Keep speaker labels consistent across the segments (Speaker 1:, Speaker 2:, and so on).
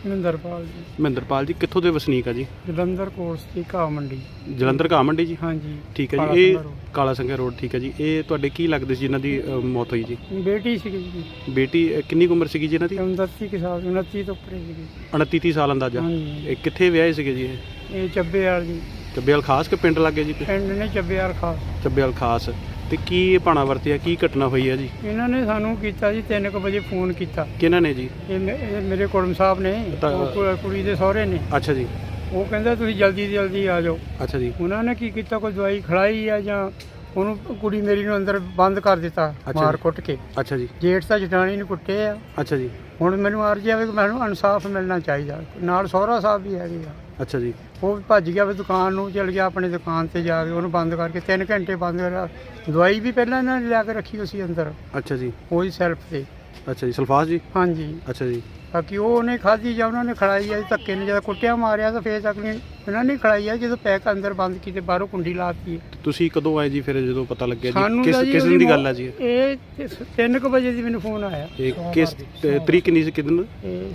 Speaker 1: ਮਹਿੰਦਰਪਾਲ ਜੀ।
Speaker 2: ਮਹਿੰਦਰਪਾਲ ਜੀ ਕਿੱਥੋਂ ਦੇ ਵਸਨੀਕ ਆ ਜੀ?
Speaker 1: ਜਲੰਧਰ ਕੋਰਸ ਦੀ ਘਾਹ ਮੰਡੀ।
Speaker 2: ਜਲੰਧਰ ਘਾਹ ਮੰਡੀ ਜੀ?
Speaker 1: ਹਾਂਜੀ
Speaker 2: ਠੀਕ ਹੈ ਜੀ। ਇਹ ਕਾਲਾ ਸੰਘਿਆ ਰੋਡ, ਠੀਕ ਹੈ ਜੀ। ਇਹ ਤੁਹਾਡੇ ਕੀ ਲੱਗਦੇ ਸੀ ਜਿਨ੍ਹਾਂ ਦੀ ਮੌਤ ਹੋਈ ਜੀ?
Speaker 1: ਬੇਟੀ ਸੀਗੀ ਜੀ।
Speaker 2: ਬੇਟੀ ਕਿੰਨੀ ਕੁ ਉਮਰ ਸੀਗੀ ਜੀ ਇਹਨਾਂ ਦੀ?
Speaker 1: 29 ਸਾਲ, 29 ਤੋਂ ਉੱਪਰ ਸੀਗੀ।
Speaker 2: 29 ਸਾਲ ਅੰਦਾਜ਼ਾ।
Speaker 1: ਹਾਂਜੀ।
Speaker 2: ਇਹ ਕਿੱਥੇ ਵਿਆਹੇ ਸੀਗੇ ਜੀ?
Speaker 1: ਇਹ ਚੱਬੇਵਾਲ ਜੀ।
Speaker 2: ਚੱਬੇਵਾਲ ਖਾਸ ਕਿ ਪਿੰਡ ਲੱਗੇ ਜੀ?
Speaker 1: ਪਿੰਡ ਨੇ ਚੱਬੇਵਾਲ ਖਾਸ।
Speaker 2: ਚੱਬੇਵਾਲ ਖਾਸ। ਤੇ ਕੀ ਇਹ ਭਾਣਾ ਵਰਤਿਆ, ਕੀ ਘਟਨਾ ਹੋਈ ਹੈ ਜੀ?
Speaker 1: ਇਹਨਾਂ ਨੇ ਸਾਨੂੰ ਕੀਤਾ ਜੀ 3 ਵਜੇ ਫੋਨ ਕੀਤਾ।
Speaker 2: ਕਿਹਨਾਂ ਨੇ ਜੀ?
Speaker 1: ਇਹ ਮੇਰੇ ਕੁੜਮ ਸਾਹਿਬ ਨੇ, ਕੁੜੀ ਦੇ ਸਹੁਰੇ ਨੇ।
Speaker 2: ਅੱਛਾ ਜੀ।
Speaker 1: ਉਹ ਕਹਿੰਦਾ ਤੁਸੀਂ ਜਲਦੀ ਤੋਂ ਜਲਦੀ ਆ ਜਾਓ।
Speaker 2: ਅੱਛਾ ਜੀ।
Speaker 1: ਉਹਨਾਂ ਨੇ ਕੀ ਕੀਤਾ, ਕੋਈ ਦਵਾਈ ਖਿਲਾਈ ਆ ਜਾਂ ਉਹਨੂੰ ਕੁੜੀ ਮੇਰੀ ਨੂੰ ਅੰਦਰ ਬੰਦ ਕਰ ਦਿੱਤਾ ਮਾਰ ਕੁੱਟ ਕੇ।
Speaker 2: ਅੱਛਾ ਜੀ।
Speaker 1: ਜੇਠ ਤਾਂ ਜਟਾਣੀ ਨੂੰ ਕੁੱਟੇ ਆ।
Speaker 2: ਅੱਛਾ ਜੀ।
Speaker 1: ਹੁਣ ਮੈਨੂੰ ਅਰਜ਼ੀ ਆਵੇ ਕਿ ਮੈਨੂੰ ਇਨਸਾਫ ਮਿਲਣਾ ਚਾਹੀਦਾ। ਨਾਲ ਸਹੁਰਾ ਸਾਹਿਬ ਵੀ ਹੈਗੇ ਆ।
Speaker 2: ਅੱਛਾ ਜੀ।
Speaker 1: ਉਹ ਭੱਜ ਗਿਆ ਵੀ ਦੁਕਾਨ ਨੂੰ, ਚਲ ਗਿਆ ਆਪਣੀ ਦੁਕਾਨ ਤੇ ਜਾ ਕੇ ਉਹਨੂੰ ਬੰਦ ਕਰਕੇ 3 ਘੰਟੇ ਬੰਦ ਕਰਿਆ। ਦਵਾਈ ਵੀ ਪਹਿਲਾਂ ਇਹਨਾਂ ਨੇ ਲਿਆ ਕੇ ਰੱਖੀ ਹੋਈ ਸੀ ਅੰਦਰ।
Speaker 2: ਅੱਛਾ ਜੀ।
Speaker 1: ਉਹੀ ਸੈਲਫ ਤੇ।
Speaker 2: ਅੱਛਾ ਜੀ। ਸਲਫਾਸ ਜੀ?
Speaker 1: ਹਾਂਜੀ।
Speaker 2: ਅੱਛਾ ਜੀ।
Speaker 1: ਬਾਕੀ ਉਹ ਉਹਨੇ ਖਾਧੀ ਜਾਂ ਉਹਨਾਂ ਨੇ ਖੜਾਈ ਆ ਧੱਕੇ ਨੇ, ਜਦੋਂ ਕੁੱਟਿਆ ਮਾਰਿਆ ਤਾਂ ਫੇਰ ਤੱਕ ਨਹੀਂ ਇਹਨਾਂ ਨੇ ਖੜਾਈ ਆ। ਜਦੋਂ ਪੈਕ ਅੰਦਰ ਬੰਦ ਕੀਤੇ, ਬਾਹਰੋਂ ਕੁੰਡੀ ਲਾਤੀ।
Speaker 2: ਤੁਸੀਂ ਕਦੋਂ ਆਏ ਜੀ ਫਿਰ ਜਦੋਂ ਪਤਾ ਲੱਗਿਆ
Speaker 1: ਸਾਨੂੰ
Speaker 2: ਜੀ? ਕਿਸ ਦਿਨ ਦੀ ਗੱਲ ਹੈ ਜੀ?
Speaker 1: ਇਹ 3 ਵਜੇ ਦੀ ਮੈਨੂੰ ਫੋਨ ਆਇਆ।
Speaker 2: ਇਹ ਕਿਸ ਤਰੀਕ ਨਹੀਂ ਸੀ? ਕਿਦਨ?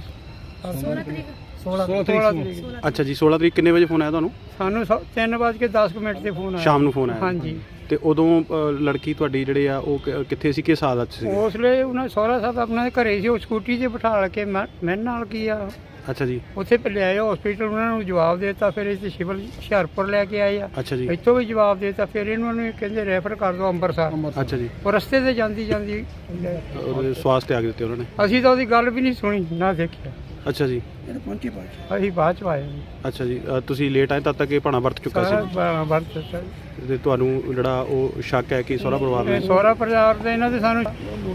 Speaker 1: ਇਹ 16 ਤਰੀਕ।
Speaker 2: ਅੱਛਾ ਜੀ। 16 ਤਰੀਕ ਕਿੰਨੇ ਵਜੇ ਫੋਨ ਆਇਆ ਤੁਹਾਨੂੰ?
Speaker 1: ਸਾਨੂੰ 3:10 ਤੇ ਫੋਨ ਆਇਆ।
Speaker 2: ਸ਼ਾਮ ਨੂੰ ਫੋਨ ਆਇਆ?
Speaker 1: ਹਾਂਜੀ।
Speaker 2: ਤੇ ਉਦੋਂ ਲੜਕੀ ਤੁਹਾਡੀ ਜਿਹੜੇ ਆ ਉਹ ਕਿੱਥੇ ਸੀ, ਕਿਸ ਹਾਲਤ 'ਚ ਸੀ?
Speaker 1: ਉਸ ਵੇਲੇ ਉਹਨਾਂ ਸਹੁਰਾ ਸਾਹਿਬ ਆਪਣਾ ਘਰੇ ਸੀ। ਉਹ ਸਕੂਟੀ 'ਤੇ ਬਿਠਾ ਕੇ ਮੈਂ ਨਾਲ ਕੀ ਆ
Speaker 2: ਅੱਛਾ ਜੀ।
Speaker 1: ਉੱਥੇ ਲਿਆਏ ਹਸਪੀਟਲ। ਉਹਨਾਂ ਨੂੰ ਜਵਾਬ ਦੇ ਦਿੱਤਾ। ਫਿਰ ਇੱਥੇ ਸਿਵਲ ਹੁਸ਼ਿਆਰਪੁਰ ਲੈ ਕੇ ਆਏ ਆ।
Speaker 2: ਅੱਛਾ ਜੀ।
Speaker 1: ਇੱਥੋਂ ਵੀ ਜਵਾਬ ਦੇ ਦਿੱਤਾ। ਫਿਰ ਇਹਨਾਂ ਨੂੰ ਕਹਿੰਦੇ ਰੈਫਰ ਕਰ ਦਿਓ ਅੰਮ੍ਰਿਤਸਰ।
Speaker 2: ਅੱਛਾ ਜੀ।
Speaker 1: ਉਹ ਰਸਤੇ ਤੇ ਜਾਂਦੀ
Speaker 2: ਉਹਦੇ ਸਵਾਸ ਤੇ ਆ ਦਿੱਤੇ ਉਹਨਾਂ ਨੇ?
Speaker 1: ਅਸੀਂ ਤਾਂ ਉਹਦੀ ਗੱਲ ਵੀ ਨਹੀਂ ਸੁਣੀ ਨਾ ਦੇਖਿਆ।
Speaker 2: ਅੱਛਾ ਜੀ।
Speaker 1: ਅਸੀਂ ਬਾਅਦ ਚ ਆਏ।
Speaker 2: ਅੱਛਾ ਜੀ। ਤੁਸੀਂ ਲੇਟ ਆਏ, ਤਦ ਤੱਕ ਇਹ ਭਾਣਾ ਵਰਤ ਚੁੱਕਾ ਸੀ? ਤੇ ਤੁਹਾਨੂੰ ਜਿਹੜਾ ਉਹ ਸ਼ੱਕ ਹੈ ਕਿ ਸਹੁਰਾ ਪਰਿਵਾਰ ਨੇ?
Speaker 1: ਸਹੁਰਾ ਪਰਿਵਾਰ ਦੇ ਇਹਨਾਂ ਦੇ ਸਾਨੂੰ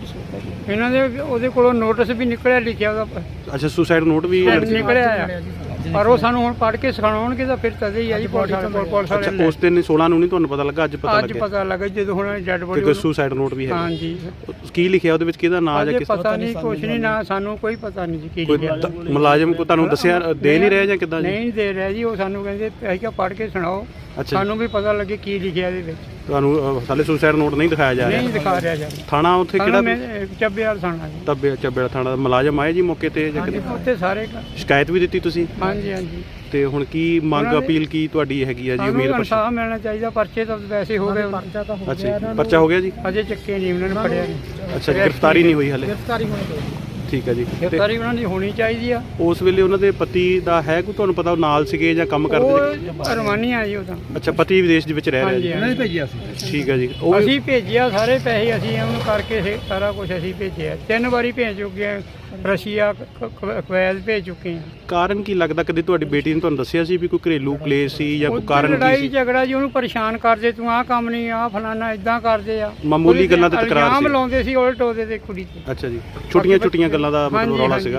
Speaker 1: ਇਹਨਾਂ ਦੇ ਉਹਦੇ ਕੋਲੋਂ ਨੋਟਿਸ ਵੀ ਨਿਕਲਿਆ, ਲਿਖਿਆ ਉਹਦਾ।
Speaker 2: ਅੱਛਾ। ਸੁਸਾਈਡ ਨੋਟ ਵੀ
Speaker 1: ਨਿਕਲਿਆ ਆ। ਪਰ ਉਹ ਸਾਨੂੰ ਹੁਣ ਪੜ੍ਹ ਕੇ ਸਿਖਾਉਣਗੇ ਤਾਂ ਫਿਰ ਤਦੇ ਹੀ ਆ ਜੀ। ਪੁਲਿਸ ਵਾਲੇ
Speaker 2: ਉਸ ਦਿਨ 16 ਨੂੰ ਨਹੀਂ ਤੁਹਾਨੂੰ ਪਤਾ ਲੱਗਾ? ਅੱਜ ਪਤਾ ਲੱਗਿਆ?
Speaker 1: ਅੱਜ ਪਤਾ ਲੱਗਾ ਜਦੋਂ ਹੁਣ ਡੈਡ ਬੋਡੀ।
Speaker 2: ਕੋਈ ਸੁਸਾਈਡ ਨੋਟ ਵੀ ਹੈ?
Speaker 1: ਹਾਂਜੀ।
Speaker 2: ਕੀ ਲਿਖਿਆ ਉਹਦੇ ਵਿੱਚ? ਕਿਹਦਾ ਨਾਮ ਜਾਂ ਕਿਸ?
Speaker 1: ਪਤਾ ਨਹੀਂ, ਕੁਛ ਨਹੀਂ ਨਾ ਸਾਨੂੰ ਕੋਈ ਪਤਾ ਨਹੀਂ ਜੀ ਕੀ ਲਿਖਿਆ।
Speaker 2: ਮੁਲਾਜ਼ਮ ਕੋ ਤੁਹਾਨੂੰ ਦੱਸਿਆ ਦੇ ਨਹੀਂ ਰਿਹਾ ਜਾਂ ਕਿੱਦਾਂ ਜੀ?
Speaker 1: ਨਹੀਂ ਦੇ ਰਿਹਾ ਜੀ। ਉਹ ਸਾਨੂੰ ਕਹਿੰਦੇ ਅਸੀਂ ਕਿਹਾ ਪੜ੍ਹ ਕੇ ਸੁਣਾਓ, ਸਾਨੂੰ ਵੀ ਪਤਾ ਲੱਗੇ ਕੀ ਲਿਖਿਆ ਇਹਦੇ ਵਿੱਚ।
Speaker 2: ਤੁਹਾਨੂੰ ਹਾਲੇ ਸੁਸਾਈਡ ਨੋਟ ਨਹੀਂ ਦਿਖਾਇਆ ਜਾ ਰਿਹਾ?
Speaker 1: ਨਹੀਂ ਦਿਖਾ ਰਿਹਾ ਜੀ।
Speaker 2: ਥਾਣਾ ਉੱਥੇ ਕਿਹੜਾ?
Speaker 1: ਚੱਬੇਵਾਲ ਥਾਣਾ ਜੀ।
Speaker 2: ਚੱਬੇਵਾਲ ਥਾਣਾ ਦਾ ਮੁਲਾਜ਼ਮ ਆਏ ਜੀ ਮੌਕੇ ਤੇ ਜਾਂ
Speaker 1: ਉੱਥੇ ਸਾਰੇ?
Speaker 2: ਸ਼ਿਕਾਇਤ ਵੀ ਦਿੱਤੀ ਤੁਸੀਂ?
Speaker 1: ਹਾਂਜੀ ਹਾਂਜੀ।
Speaker 2: ਤੇ ਹੁਣ ਕੀ ਮੰਗ ਅਪੀਲ ਕੀ ਤੁਹਾਡੀ ਹੈਗੀ ਆ ਜੀ? ਉਮੀਦ
Speaker 1: ਇਨਸਾਫ ਮਿਲਣਾ ਚਾਹੀਦਾ। ਪਰਚੇ ਤਾਂ ਵੈਸੇ ਹੋ ਗਏ।
Speaker 2: ਅੱਛਾ। ਪਰਚਾ ਹੋ ਗਿਆ ਜੀ?
Speaker 1: ਅਜੇ ਚੱਕੇ ਨਹੀਂ, ਉਹਨਾਂ ਨੇ ਫੜਿਆ ਨਹੀਂ।
Speaker 2: ਅੱਛਾ। ਗ੍ਰਿਫਤਾਰੀ ਨਹੀਂ ਹੋਈ ਹਾਲੇ?
Speaker 1: ਗ੍ਰਿਫਤਾਰੀ ਹੋਣੀ ਚਾਹੀਦੀ।
Speaker 2: ਠੀਕ ਹੈ ਜੀ।
Speaker 1: ਗ੍ਰਿਫਤਾਰੀ ਉਹਨਾਂ ਦੀ ਹੋਣੀ ਚਾਹੀਦੀ ਆ।
Speaker 2: ਉਸ ਵੇਲੇ ਉਹਨਾਂ ਦੇ ਪਤੀ ਦਾ ਹੈ ਕੋਈ ਤੁਹਾਨੂੰ ਪਤਾ, ਉਹ ਨਾਲ ਸੀਗੇ ਜਾਂ ਕੰਮ ਕਰਦੇ ਸੀ?
Speaker 1: ਉਹ ਰਵਾਨੀਆ ਜੀ ਉਹ ਤਾਂ।
Speaker 2: ਅੱਛਾ। ਪਤੀ ਵਿਦੇਸ਼ ਦੇ ਵਿੱਚ ਰਹਿ ਰਿਹਾ ਜੀ?
Speaker 1: ਉਹਨਾਂ ਨੇ ਭੇਜਿਆ ਸੀ।
Speaker 2: ਠੀਕ ਹੈ ਜੀ। ਉਹ
Speaker 1: ਅਸੀਂ ਭੇਜਿਆ ਸਾਰੇ ਪੈਸੇ ਅਸੀਂ ਉਹਨੂੰ ਕਰਕੇ ਸਾਰਾ ਕੁਝ ਅਸੀਂ ਭੇਜਿਆ। 3 ਵਾਰੀ ਭੇਜ ਚੁੱਕੇ ਹਾਂ। ਰਸ਼ੀਆ, ਕੁਵੈਤ ਭੇਜ ਚੁੱਕੇ ਹਾਂ।
Speaker 2: ਕਾਰਨ ਕੀ ਲੱਗਦਾ? ਕਦੇ ਤੁਹਾਡੀ ਬੇਟੀ ਨੇ ਤੁਹਾਨੂੰ ਦੱਸਿਆ ਸੀ ਵੀ ਕੋਈ ਘਰੇਲੂ ਕਲੇਸ਼ ਸੀ ਜਾਂ ਕੋਈ ਕਾਰਨ ਕੀ
Speaker 1: ਲੜਾਈ
Speaker 2: ਸੀ?
Speaker 1: ਝਗੜਾ ਜੀ। ਉਹਨੂੰ ਪਰੇਸ਼ਾਨ ਕਰਦੇ, ਤੂੰ ਆਹ ਕੰਮ ਨਹੀਂ, ਆਹ ਫਲਾਨਾ ਇਦਾਂ ਕਰਦੇ ਆ।
Speaker 2: ਮਾਮੂਲੀ ਗੱਲਾਂ ਤੇ ਤਕਰਾਰ ਸੀ?
Speaker 1: ਇਲਜ਼ਾਮ ਲਾਉਂਦੇ ਸੀ ਉਲਟ ਉਹਦੇ ਤੇ ਕੁੜੀ ਤੇ।
Speaker 2: ਅੱਛਾ ਜੀ। ਛੋਟੀਆਂ ਗੱਲਾਂ ਦਾ ਮਤਲਬ ਰੌਲਾ ਸੀਗਾ?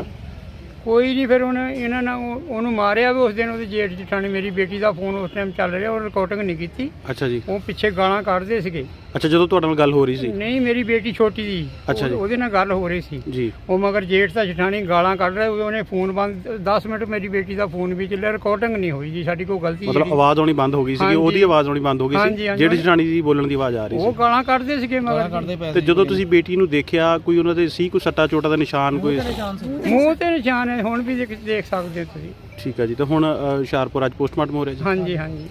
Speaker 1: ਕੋਈ ਨਹੀਂ। ਫਿਰ ਇਹਨਾਂ ਨੇ ਉਹਨੂੰ ਮਾਰਿਆ ਵੀ ਉਸ ਦਿਨ। ਉਹਦੀ ਜੇਠ ਜਠਾਣੀ ਮੇਰੀ ਬੇਟੀ ਦਾ ਫੋਨ ਉਸ ਟਾਈਮ ਚੱਲ ਰਿਹਾ, ਉਹ ਰਿਕਾਰਡਿੰਗ ਨਹੀਂ ਕੀਤੀ।
Speaker 2: ਅੱਛਾ ਜੀ।
Speaker 1: ਉਹ ਪਿੱਛੇ ਗਾਲਾਂ ਕੱਢਦੇ ਸੀਗੇ।
Speaker 2: ਅੱਛਾ। ਜਦੋਂ ਤੁਹਾਡੇ ਨਾਲ ਗੱਲ ਹੋ ਰਹੀ ਸੀ?
Speaker 1: ਨਹੀਂ, ਮੇਰੀ ਬੇਟੀ ਛੋਟੀ ਦੀ।
Speaker 2: ਅੱਛਾ ਜੀ।
Speaker 1: ਉਹਦੇ ਨਾਲ ਗੱਲ ਹੋ ਰਹੀ ਸੀ
Speaker 2: ਜੀ।
Speaker 1: ਉਹ ਮਗਰ ਜੇਠ ਦਾ ਜਠਾਣੀ ਗਾਲਾਂ ਕੱਢ ਰਿਹਾ। ਉਹਨੇ ਫੋਨ ਬੰਦ 10 ਮਿੰਟ ਮੇਰੀ ਬੇਟੀ ਦਾ ਫੋਨ ਵੀ ਚੱਲਿਆ। ਰਿਕਾਰਡਿੰਗ ਨਹੀਂ ਹੋਈ ਜੀ, ਸਾਡੀ ਕੋਈ ਗਲਤੀ
Speaker 2: ਮਤਲਬ ਆਵਾਜ਼ ਆਉਣੀ ਬੰਦ ਹੋ ਗਈ ਸੀ? ਉਹਦੀ ਆਵਾਜ਼ ਆਉਣੀ ਬੰਦ ਹੋ ਗਈ ਸੀ? ਜਿਹੜੀ ਜਠਾਣੀ ਦੀ ਬੋਲਣ ਦੀ ਆਵਾਜ਼ ਆ ਰਹੀ ਸੀ?
Speaker 1: ਉਹ ਗਾਲਾਂ ਕੱਢਦੇ ਸੀਗੇ ਮਗਰ।
Speaker 2: ਤੇ ਜਦੋਂ ਤੁਸੀਂ ਬੇਟੀ ਨੂੰ ਦੇਖਿਆ, ਕੋਈ ਉਹਨਾਂ ਦੇ ਸੀ ਕੋਈ ਸੱਟਾ ਚੋਟਾ ਦਾ ਨਿਸ਼ਾਨ? ਕੋਈ
Speaker 1: ਮੂੰਹ ਤੇ ਨਿਸ਼ਾਨ ਹੈ, ਹੁਣ ਵੀ ਦੇਖ ਸਕਦੇ ਹੋ ਤੁਸੀਂ।
Speaker 2: ਠੀਕ ਹੈ ਜੀ। ਤੇ ਹੁਣ ਹੁਸ਼ਿਆਰਪੁਰ ਅੱਜ ਪੋਸਟਮਾਰਟਮ ਹੋ ਰਿਹਾ ਜੀ?
Speaker 1: ਹਾਂਜੀ ਹਾਂਜੀ।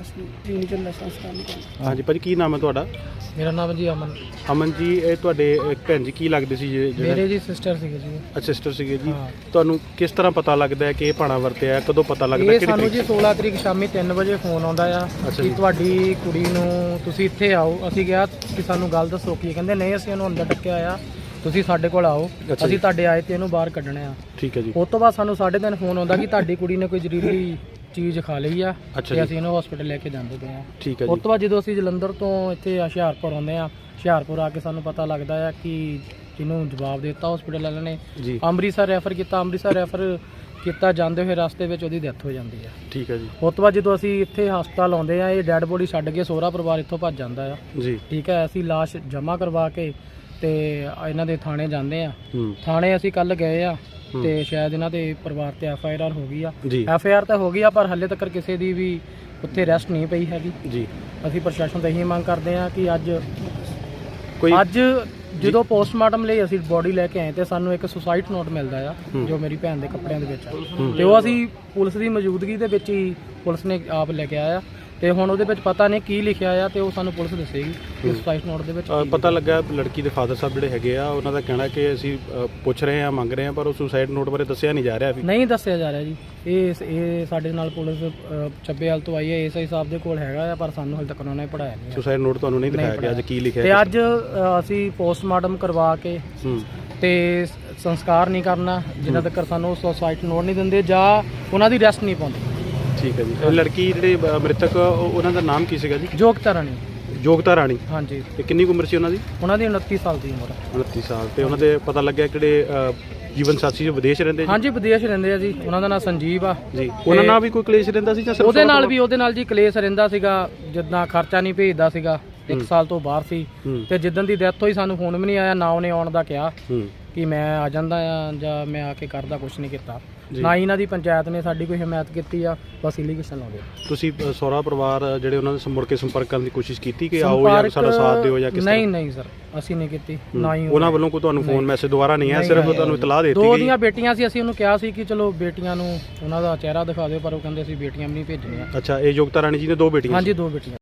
Speaker 2: ਹਾਂਜੀ ਭਾਜੀ, ਕੀ ਨਾਮ ਹੈ ਤੁਹਾਡਾ?
Speaker 3: ਮੇਰਾ ਨਾਮ ਜੀ ਅਮਨ।
Speaker 2: ਅਮਨ ਜੀ, ਇਹ ਤੁਹਾਡੇ ਭੈਣ ਜੀ ਕੀ ਲੱਗਦੇ ਸੀ?
Speaker 3: ਮੇਰੇ ਜੀ ਸਿਸਟਰ ਸੀਗੇ ਜੀ।
Speaker 2: ਅੱਛਾ। ਸਿਸਟਰ ਸੀਗੇ ਜੀ। ਤੁਹਾਨੂੰ ਕਿਸ ਤਰ੍ਹਾਂ ਪਤਾ ਲੱਗਦਾ ਹੈ ਕਿ ਇਹ ਭਾਣਾ ਵਰਤਿਆ? ਕਦੋਂ ਪਤਾ ਲੱਗਦਾ?
Speaker 3: ਇਹ ਸਾਨੂੰ ਜੀ 16 ਤਰੀਕ ਸ਼ਾਮੀ 3 ਵਜੇ ਫੋਨ ਆਉਂਦਾ ਆ ਕਿ ਤੁਹਾਡੀ ਕੁੜੀ ਨੂੰ ਤੁਸੀਂ ਇੱਥੇ ਆਓ। ਅਸੀਂ ਕਿਹਾ ਕਿ ਸਾਨੂੰ ਗੱਲ ਦੱਸੋ ਕੀ। ਕਹਿੰਦੇ ਨਹੀਂ, ਅਸੀਂ ਇਹਨੂੰ ਅੰਦਰ ਡੱਕਿਆ ਆ, ਤੁਸੀਂ ਸਾਡੇ ਕੋਲ ਆਓ, ਅਸੀਂ ਤੁਹਾਡੇ ਆਏ ਤੇ ਇਹਨੂੰ ਬਾਹਰ ਕੱਢਣਾ ਆ।
Speaker 2: ਠੀਕ ਹੈ ਜੀ।
Speaker 3: ਉਸ ਤੋਂ ਬਾਅਦ ਸਾਨੂੰ 3:30 ਫੋਨ ਆਉਂਦਾ ਕਿ ਤੁਹਾਡੀ ਕੁੜੀ ਨੇ ਕੋਈ ਜ਼ਹਿਰੀਲੀ ਚੀਜ਼ ਖਾ ਲਈ ਆ ਤੇ ਅਸੀਂ ਇਹਨੂੰ ਹਸਪੀਟਲ ਲੈ ਕੇ ਜਾਂਦੇ ਪਏ ਆ।
Speaker 2: ਠੀਕ ਹੈ ਜੀ।
Speaker 3: ਉਸ ਤੋਂ ਬਾਅਦ ਜਦੋਂ ਅਸੀਂ ਜਲੰਧਰ ਤੋਂ ਇੱਥੇ ਹੁਸ਼ਿਆਰਪੁਰ ਆਉਂਦੇ ਆ, ਹੁਸ਼ਿਆਰਪੁਰ ਆ ਕੇ ਸਾਨੂੰ ਪਤਾ ਲੱਗਦਾ ਆ ਕਿ ਜਿਹਨੂੰ ਜਵਾਬ ਦੇ ਦਿੱਤਾ ਹਸਪੀਟਲ ਵਾਲਿਆਂ ਨੇ, ਅੰਮ੍ਰਿਤਸਰ ਰੈਫਰ ਕੀਤਾ। ਅੰਮ੍ਰਿਤਸਰ ਰੈਫਰ ਕੀਤਾ, ਜਾਂਦੇ ਹੋਏ ਰਸਤੇ ਵਿੱਚ ਉਹਦੀ ਡੈਥ ਹੋ ਜਾਂਦੀ ਆ।
Speaker 2: ਠੀਕ ਹੈ ਜੀ।
Speaker 3: ਉਸ ਤੋਂ ਬਾਅਦ ਜਦੋਂ ਅਸੀਂ ਇੱਥੇ ਹਸਪਤਾਲ ਆਉਂਦੇ ਆ, ਇਹ ਡੈੱਡ ਬੋਡੀ ਛੱਡ ਕੇ ਸਹੁਰਾ ਪਰਿਵਾਰ ਇੱਥੋਂ ਭੱਜ ਜਾਂਦਾ ਆ
Speaker 2: ਜੀ। ਠੀਕ
Speaker 3: ਹੈ। ਅਸੀਂ ਲਾਸ਼ ਜਮ੍ਹਾਂ ਕਰਵਾ ਕੇ ਤੇ ਇਹਨਾਂ ਦੇ ਥਾਣੇ ਜਾਂਦੇ ਆ। ਥਾਣੇ ਅਸੀਂ ਕੱਲ ਗਏ ਆ ਤੇ ਸ਼ਾਇਦ ਇਹਨਾਂ ਦੇ ਪਰਿਵਾਰ ਤੇ FIR ਹੋ ਗਈ ਆ। FIR ਤਾਂ ਹੋ ਗਈ ਆ, ਪਰ ਹਾਲੇ ਤੱਕ ਕਿਸੇ ਦੀ ਵੀ ਉੱਥੇ ਅਰੈਸਟ ਨਹੀਂ ਪਈ ਹੈਗੀ ਜੀ। ਅਸੀਂ ਪ੍ਰਸ਼ਾਸਨ ਤੋਂ ਇਹੀ ਮੰਗ ਕਰਦੇ ਆ ਕਿ ਅੱਜ ਜਦੋਂ ਪੋਸਟਮਾਰਟਮ ਲਈ ਅਸੀਂ ਬੋਡੀ ਲੈ ਕੇ ਆਏ ਤੇ ਸਾਨੂੰ ਇੱਕ ਸੁਸਾਈਡ ਨੋਟ ਮਿਲਦਾ ਆ ਜੋ ਮੇਰੀ ਭੈਣ ਦੇ ਕੱਪੜਿਆਂ ਦੇ ਵਿੱਚ ਆ ਤੇ ਉਹ ਅਸੀਂ ਪੁਲਿਸ ਦੀ ਮੌਜੂਦਗੀ ਦੇ ਵਿੱਚ ਹੀ ਪੁਲਿਸ ਨੇ ਆਪ ਲੈ ਕੇ ਆਇਆ ਤੇ ਹੁਣ ਉਹਦੇ ਵਿੱਚ ਪਤਾ ਨਹੀਂ ਕੀ ਲਿਖਿਆ ਆ ਤੇ ਉਹ ਸਾਨੂੰ ਪੁਲਿਸ ਦੱਸੇਗੀ ਕਿ ਸੁਸਾਈਡ ਨੋਟ ਦੇ ਵਿੱਚ ਕੀ
Speaker 2: ਪਤਾ ਲੱਗਾ ਲੜਕੀ ਦੇ ਫਾਦਰ ਸਾਹਿਬ ਜਿਹੜੇ ਹੈਗੇ ਆ ਉਹਨਾਂ ਦਾ ਕਹਿਣਾ ਕਿ ਅਸੀਂ ਪੁੱਛ ਰਹੇ ਹਾਂ ਮੰਗ ਰਹੇ ਹਾਂ ਪਰ ਉਹ ਸੁਸਾਈਡ ਨੋਟ ਬਾਰੇ ਦੱਸਿਆ ਨਹੀਂ ਜਾ ਰਿਹਾ ਵੀ
Speaker 3: ਨਹੀਂ ਦੱਸਿਆ ਜਾ ਰਿਹਾ ਜੀ। ਇਹ ਸਾਡੇ ਨਾਲ ਪੁਲਿਸ ਚੱਬੇਵਾਲ ਤੋਂ ਆਈ ਹੈ ਐਸਆਈ ਸਾਹਿਬ ਦੇ ਕੋਲ ਹੈਗਾ ਆ ਪਰ ਸਾਨੂੰ ਹਾਲੇ ਤੱਕ ਉਹਨਾਂ ਨੇ ਪੜਾਇਆ ਨਹੀਂ।
Speaker 2: ਸੁਸਾਈਡ ਨੋਟ ਤੁਹਾਨੂੰ ਨਹੀਂ ਦਿਖਾਇਆ ਗਿਆ ਅੱਜ ਕੀ ਲਿਖਿਆ
Speaker 3: ਤੇ ਅੱਜ ਅਸੀਂ ਪੋਸਟਮਾਰਟਮ ਕਰਵਾ ਕੇ ਤੇ ਸੰਸਕਾਰ ਨਹੀਂ ਕਰਨਾ ਜਿੰਨਾ ਤੱਕ ਸਾਨੂੰ ਸੁਸਾਈਡ ਨੋਟ ਨਹੀਂ ਦਿੰਦੇ ਜਾਂ ਉਹਨਾਂ ਦੀ ਰੈਸਟ ਨਹੀਂ ਪਾਉਂਦੇ।
Speaker 2: ਠੀਕ ਹੈ ਜੀ। ਉਹ ਲੜਕੀ ਜਿਹੜੇ ਮ੍ਰਿਤਕ ਉਹਨਾਂ ਦਾ ਨਾਮ ਕੀ ਸੀਗਾ ਜੀ?
Speaker 3: ਯੋਗਤਾ ਰਾਣੀ।
Speaker 2: ਯੋਗਤਾ ਰਾਣੀ।
Speaker 3: ਹਾਂਜੀ।
Speaker 2: ਤੇ ਕਿੰਨੀ ਕੁ ਉਮਰ ਸੀ ਉਹਨਾਂ ਦੀ?
Speaker 3: ਉਹਨਾਂ ਦੀ 29 ਸਾਲ ਦੀ ਉਮਰ।
Speaker 2: 29 ਸਾਲ। ਤੇ ਉਹਨਾਂ ਦੇ ਪਤਾ ਲੱਗਿਆ ਕਿਹੜੇ ਜੀਵਨ ਸਾਥੀ ਜੋ ਵਿਦੇਸ਼ ਰਹਿੰਦੇ ਜੀ?
Speaker 3: ਹਾਂਜੀ ਵਿਦੇਸ਼ ਰਹਿੰਦੇ ਆ ਜੀ। ਉਹਨਾਂ ਦਾ ਨਾਮ ਸੰਜੀਵ ਆ
Speaker 2: ਜੀ। ਉਹਨਾਂ ਨਾਲ ਵੀ ਕੋਈ ਕਲੇਸ਼ ਰਹਿੰਦਾ ਸੀ ਜਾਂ ਸਿਰਫ
Speaker 3: ਉਹਦੇ ਨਾਲ ਜੀ ਕਲੇਸ਼ ਰਹਿੰਦਾ ਸੀਗਾ ਜਿੱਦਾਂ ਖਰਚਾ ਨਹੀਂ ਭੇਜਦਾ ਸੀਗਾ 1 ਸਾਲ ਤੋਂ ਬਾਹਰ ਸੀ ਤੇ ਜਿੱਦਣ ਦੀ ਡੈਥ ਹੋਈ ਸਾਨੂੰ ਫੋਨ ਵੀ ਨਹੀਂ ਆਇਆ ਨਾ ਉਹਨੇ ਆਉਣ ਦਾ ਕਿਹਾ ਕਿ ਮੈਂ ਆ ਜਾਂਦਾ ਆ ਜਾਂ ਮੈਂ ਆ ਕੇ ਕਰਦਾ ਕੁਝ ਨਹੀਂ ਕੀਤਾ ਨਾ ਹੀ ਇਹਨਾਂ ਦੀ ਪੰਚਾਇਤ ਨੇ ਸਾਡੀ ਕੋਈ ਹਮਾਇਤ ਕੀਤੀ ਆ ਬਸ ਇਲੀਗੇਸ਼ਨ ਲਾਉਂਦੇ।
Speaker 2: ਤੁਸੀਂ ਸਹੁਰਾ ਪਰਿਵਾਰ ਜਿਹੜੇ ਉਹਨਾਂ ਦੇ ਮੁੜ ਕੇ ਸੰਪਰਕ ਕਰਨ ਦੀ ਕੋਸ਼ਿਸ਼ ਕੀਤੀ ਕਿ ਆਓ ਜਾਂ ਸਾਡਾ ਸਾਥ ਦਿਓ ਜਾਂ ਕਿਸ ਤਰ੍ਹਾਂ?
Speaker 3: ਨਹੀਂ ਸਰ ਅਸੀਂ ਨਹੀਂ ਕੀਤੀ ਨਾ ਹੀ
Speaker 2: ਉਹਨਾਂ ਵੱਲੋਂ ਕੋਈ ਤੁਹਾਨੂੰ ਫੋਨ ਮੈਸੇਜ ਦੁਬਾਰਾ ਨਹੀਂ ਆਇਆ ਸਿਰਫ ਤੁਹਾਨੂੰ ਇਤਲਾਹ ਦੇ ਦਿੱਤੀ ਗਈ?
Speaker 3: 2 ਦੀਆਂ ਬੇਟੀਆਂ ਸੀ ਅਸੀਂ ਉਹਨੂੰ ਕਿਹਾ ਸੀ ਕਿ ਚਲੋ ਬੇਟੀਆਂ ਨੂੰ ਉਹਨਾਂ ਦਾ ਚਿਹਰਾ ਦਿਖਾ ਦਿਓ ਪਰ ਉਹ ਕਹਿੰਦੇ ਅਸੀਂ ਬੇਟੀਆਂ ਵੀ ਨਹੀਂ ਭੇਜਣੀਆਂ।
Speaker 2: ਅੱਛਾ ਇਹ ਯੋਗਤਾ ਰਾਣੀ ਜੀ ਨੇ 2 ਬੇਟੀਆਂ?
Speaker 3: ਹਾਂਜੀ 2 ਬੇਟੀਆਂ।